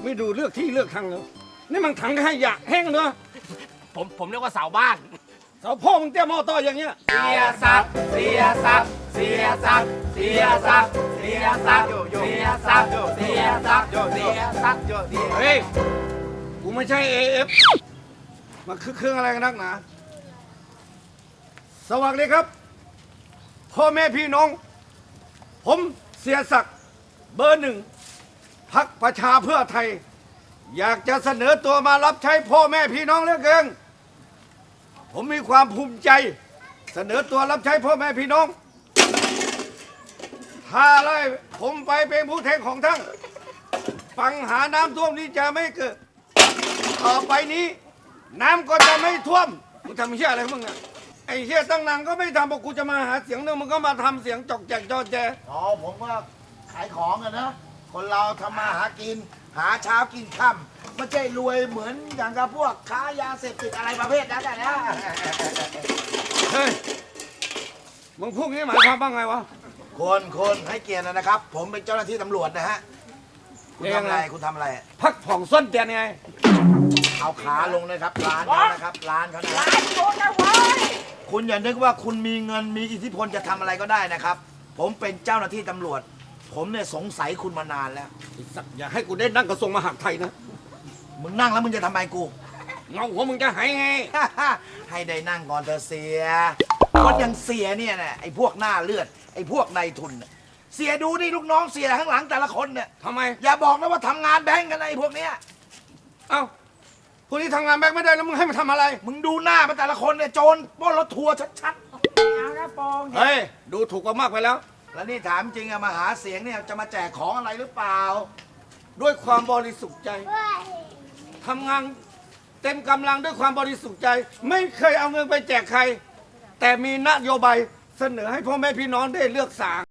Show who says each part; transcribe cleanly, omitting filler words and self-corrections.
Speaker 1: ไม่ดูเลือกที่เลือกทางเลยนี่มันถังขยะแห้งเนอะ
Speaker 2: ผมเรียกว่าเสาบ้าน
Speaker 1: เสาพ่อมึงเตี้ยมอต่ออย่างเงี้ย
Speaker 2: เสียสักเสียสักเสียสักเสียสักเสียสักเสียสักเสียสักเสียสัก
Speaker 1: เฮ้ยกูไม่ใช่ AF มาคือเครื่องอะไรกันนักหนาสวัสดีครับพ่อแม่พี่น้อง ผมเสียศักดิ์เบอร์ 1พรรคประชาเพื่อไทย อยากจะเสนอตัวมารับใช้พ่อแม่พี่น้องเหลือเกินผมมีความภูมิใจ เสนอตัวรับใช้พ่อแม่พี่น้อง ถ้าไล่ผมไปเป็นผู้แทนของท่านปัญหาน้ำท่วมนี้จะไม่เกิด ต่อไปนี้ น้ำก็จะไม่ท่วมมึงทำเหี้ยอะไรของมึงอะไอ้เหี้ยตั้งนานก็ไม่ทำบอกกูจะมาหาเสียงนึงมึงก็มาทำเสียงจอกแจกจอแจ
Speaker 3: อ๋อผมก็ขายของอะนะคนเราทำมาหากิน หาเช้ากินค่ำไม่ใช่รวยเหมือนอย่างกับพวกค้ายาเสพติดอะไรประเภทนั้นนะ
Speaker 1: เฮ้ยมึงพูดงี้หมายความว่าไงวะ
Speaker 3: คนให้เกียรตินะครับ ผมเป็นเจ้าหน้าที่ตำรวจนะฮะคุณทำอะไรคุณทำอะไร
Speaker 1: พักผ่องส้นเตียนไง
Speaker 3: เอาขาลงนะครับร้านเขานะครับร้านเขานะคุณอย่านึกว่าคุณมีเงินมีอิทธิพลจะทำอะไรก็ได้นะครับ ผมเป็นเจ้าหน้าที่ตำรวจ ผมเนี่ยสงสัยคุณมานานแล้ว
Speaker 1: ไอ้สัตว์อย่าให้กูได้นั่งกระทรวงมหาดไทยนะ
Speaker 3: มึงนั่งแล้วมึงจะทำไมกู
Speaker 1: เงาหัวมึงจะหายไง
Speaker 3: ให้ได้นั่งก่อนเธอะเสียคนอย่างเสียเนี่ยนะไอ้พวกหน้าเลือดไอ้พวกนายทุนน่ะเสียดูนี่ลูกน้องเสียข้างหลังแต่ละคนเนี่ย
Speaker 1: ทำไม
Speaker 3: อย่าบอกนะว่าทำงานแบงก์กันนะไอ้พวกเนี้ย
Speaker 1: เอ้าพวกนี้ทำงานแบงค์ไม่ได้แล้วมึงให้มันทำอะไร
Speaker 3: มึงดูหน้ามันแต่ละคนเนี่ยโจรปล้นรถทัวร์ชัดๆเอานะปอง
Speaker 1: เฮ้ยดูถูกกว่ามากไปแล้ว
Speaker 3: แล้วนี่ถามจริงอะมาหาเสียงเนี่ยจะมาแจกของอะไรหรือเปล่า
Speaker 1: ด้วยความบริสุทธิ์ใจทำงานเต็มกำลังด้วยความบริสุทธิ์ใจ ไม่เคยเอาเงินไปแจกใคร แต่มีนโยบายเสนอให้พ่อแม่พี่น้องได้เลือกสาง